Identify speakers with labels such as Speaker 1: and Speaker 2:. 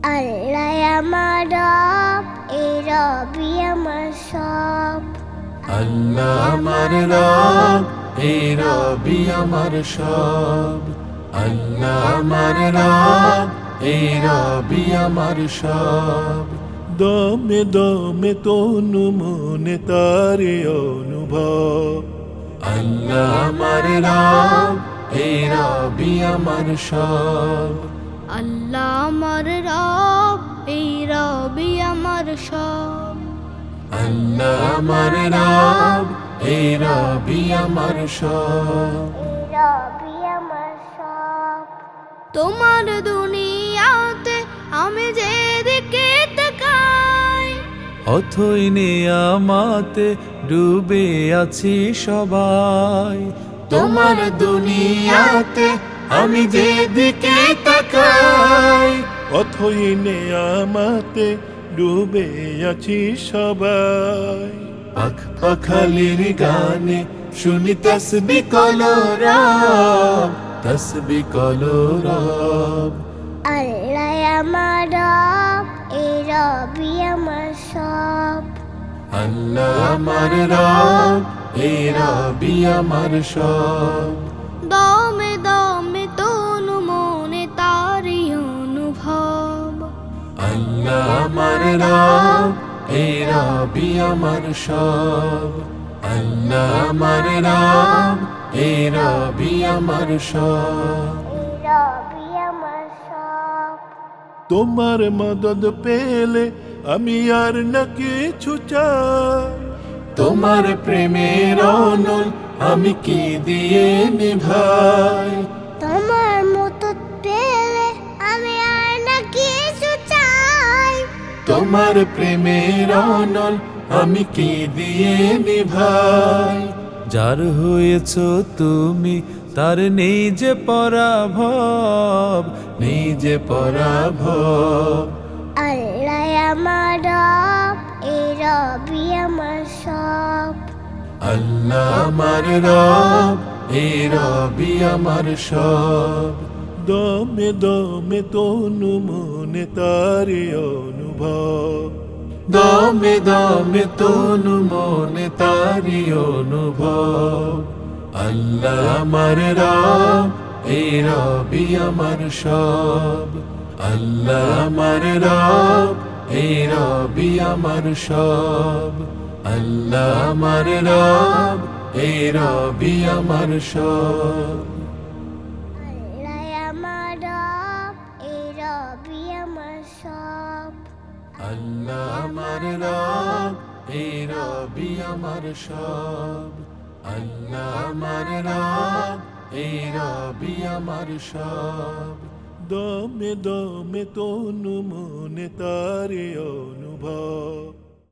Speaker 1: আল্লাহ আমার রব, এই রবি আমার সব।
Speaker 2: আল্লাহ আমার রব, এই রবি আমার সব। আল্লাহ আমার রব, এই রবি আমার সব। দমে দমে তনু মনে তারে অনুভব। আল্লাহ আমার রব, এই রবি আমার সব।
Speaker 1: আল্লাহ আমার রব, এই রবি আমার সব।
Speaker 2: আল্লাহ আমার রব, এই রবি আমার সব।
Speaker 1: রবি আমার সব। তোমার দুনিয়াতে আমি যেদিকে তাকাই,
Speaker 2: অথই নিয়ামতে ডুবে আছি সবাই। তোমার দুনিয়াতে আমি যেদিকে তাকাই, অথই নিয়ামতে ডুবে আছি সবাই। পাখ পাখালির গানে শুনি তসবিহ কলরব, তসবিহ কলরব।
Speaker 1: আল্লাহ আমার রব, এই রবি আমার সব।
Speaker 2: আল্লাহ আমার রব, এই রবি আমার সব।
Speaker 1: দমে দমে তনু মনে তারি অনুভব।
Speaker 2: আল্লাহ আমার রব, এই রবি আমার সব। আল্লাহ আমার রব, এই রবি আমার সব।
Speaker 1: রবি আমার সব।
Speaker 2: তোমার মদদ পেলে আমি আর না কিছু চাই। তোমার প্রেমের অনল আমি কি দিয়ে নিভাই।
Speaker 1: তোমার মতো পেলে আমি আর না কিছু চাই।
Speaker 2: তোমার প্রেমের অনল আমি কি দিয়ে নিভাই। যার হয়েছ তুমি তার নেই যে পরাভব, নেই যে পরাভব।
Speaker 1: আল্লাহ আমার রব, এই রবি আমার সব।
Speaker 2: আল্লাহ আমার রব, এই রবি আমার সব। দমে দমে তনু মনে তারে অনুভব। দমে দমে তনু মনে তারি অনুভব। আল্লাহ আমার রব, এই রবি আমার সব। আল্লাহ আমার রব, এই রবি আমার সব। আল্লাহ আমার রব, এই রবি আমার সব।
Speaker 1: আল্লাহ আমার রব, এই রবি আমার সব।
Speaker 2: আল্লাহ আমার রব, এই রবি আমার সব। আল্লাহ আমার রব, এই রবি আমার সব। দমে দমে তনু মনে তারে অনুভব।